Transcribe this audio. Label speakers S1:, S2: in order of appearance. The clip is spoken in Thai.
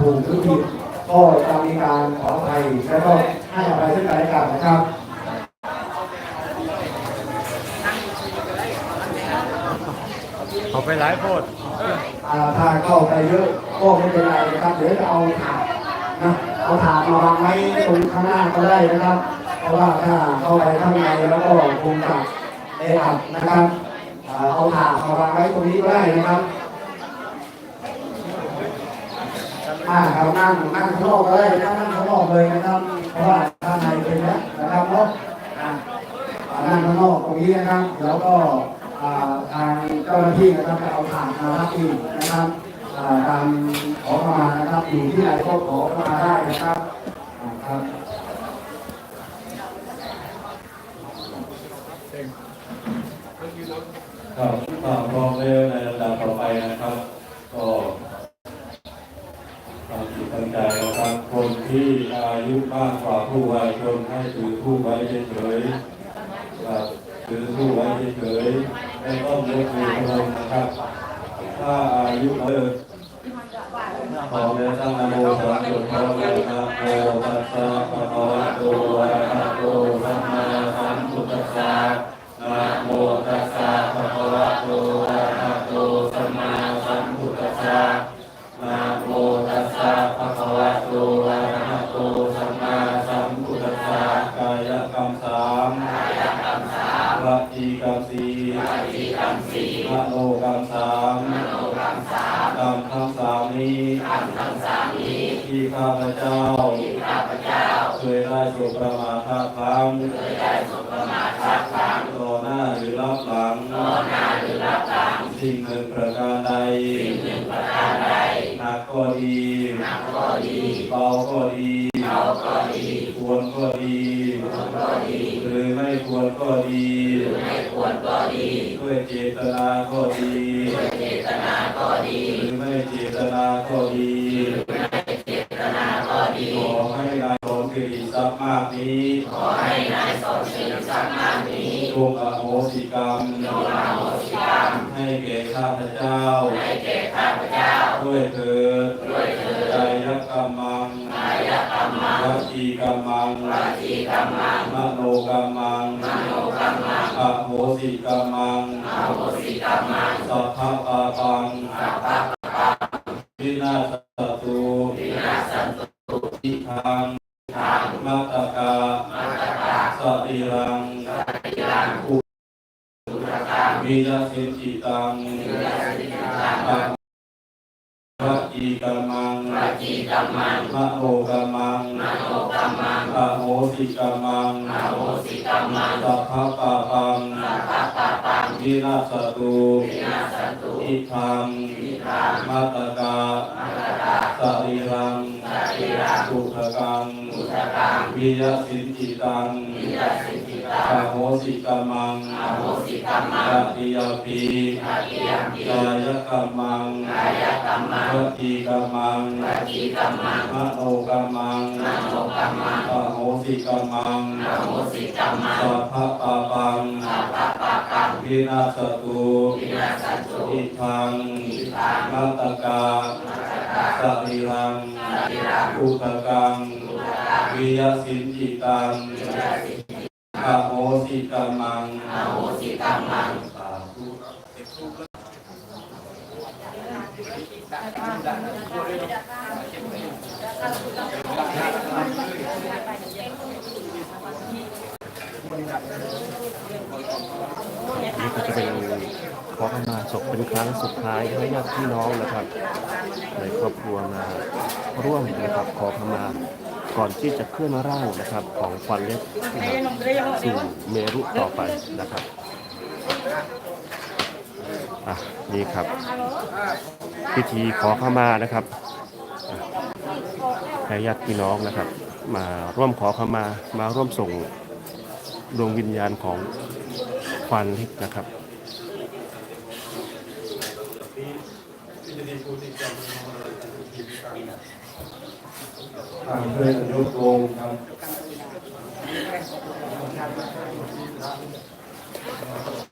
S1: ถูกหรือผิดก็จะมีการขออภัยและก็ให้อภัยซึ่งกันและกันนะครับ
S2: เอาไปหลายโพด
S1: ถ้าเข้าไปเยอะก็ไม่เป็นไรนะครับเดี๋ยวจะเอาถาดนะเอาถาดมาวางไว้ตรงข้างหน้าก็ได้นะครับเพราะว่าถ้าเข้าไปข้างในแล้วก็คงจะแออัดนะครับเอาถาดมาวางไว้ตรงนี้ก็ได้นะครับครับนั่งข้างนอกก็ได้นั่งข้างนอกเลยนะครับเพราะว่าข้างในเป็นแล้วนะครับเนาะนั่งข้างนอกตรงนี้นะครับแล้วก็ทางเจ้าหน้าที่นะครับจะเอาถาดมารับอีกนะครับตามขอเข้ามานะครับอยู่ที่ไหนก็ขอเข้ามาได้นะครับครับ
S3: ครับพร้อมแล้วในลำดับต่อไปนะครับก็ตั้งจิตตั้งใจนะครับคนที่อายุมากกว่าผู้วัยชนให้ถือผู้ไว้เฉยๆครับถือผู้ไว้เฉยๆไม่ต้องยกมือพนมนะครับถ้าอายุเกินขอเรียนตั้งนะโมสามจบพร้อมกันนะโมตัสสะภะคะวะโตอะระหะโตสัมมาสัมพุทธัสสะนะโมตัสสะภะคะวะโตอะระหะโตสัมมาสัมพุทธัสสะนะโมตัสสะภะคะวะโตอะระหะโตสัมมาสัมพุทธัสสะกายกรรมสามวจีกรรมสี่มโนกรรมสามกรรมทั้งสามนี้ที่ข้าพเจ้าเคยได้สุประมาทพลั้งต่อหน้าหรือรับหลังสิ่งหนึ่งประการใดหนักก็ดีเบาก็ดีควรก็ดีหรือไม่ควรก็ดีด้วยเจตนาก็ดีหรือไม่เจตนาก็ดีขอให้นายสอนสิริทรัพย์มากนี้จงอโหสิกรรมให้แก่ข้าพเจ้าด้วยเถิดกายกรรมังวจีกรรมังมโนกรรมังอโหสิกรรมังสัพพะปาปังวินาศตุทิทังมัตตกาสติรังอุวิยสิจิตังวจีกรรมังมโนกรรมังอโหสิกรรมังสัพพะปาปังวินาศตุทิทังมัตตกาสติรังสุขกังวิยสิจิตังอโหสิกรรมังตติยปีกายกรรมังวจีกรรมังมโนกรรมังอโหสิกรรมังสัพพะปาปังวินาศตุอิทังมัตตกาสติรังอุตกังวิยสินจิตังอโหสิกรรมังสาธุ
S2: นี่ก็จะเป็นขอขมาศพเป็นครั้งสุดท้ายให้ญาติพี่น้องนะครับในครอบครัวมาร่วมนะครับขอขมาก่อนที่จะเคลื่อนร่างนะครับของควันเล็กสู่เมรุต่อไปนะครับนี่ครับพิธีขอขมานะครับให้ญาติพี่น้องนะครับมาร่วมขอขมาร่วมส่งดวงวิญญาณของควันเล็กนะครับ
S3: เพื่อนยกวงครับ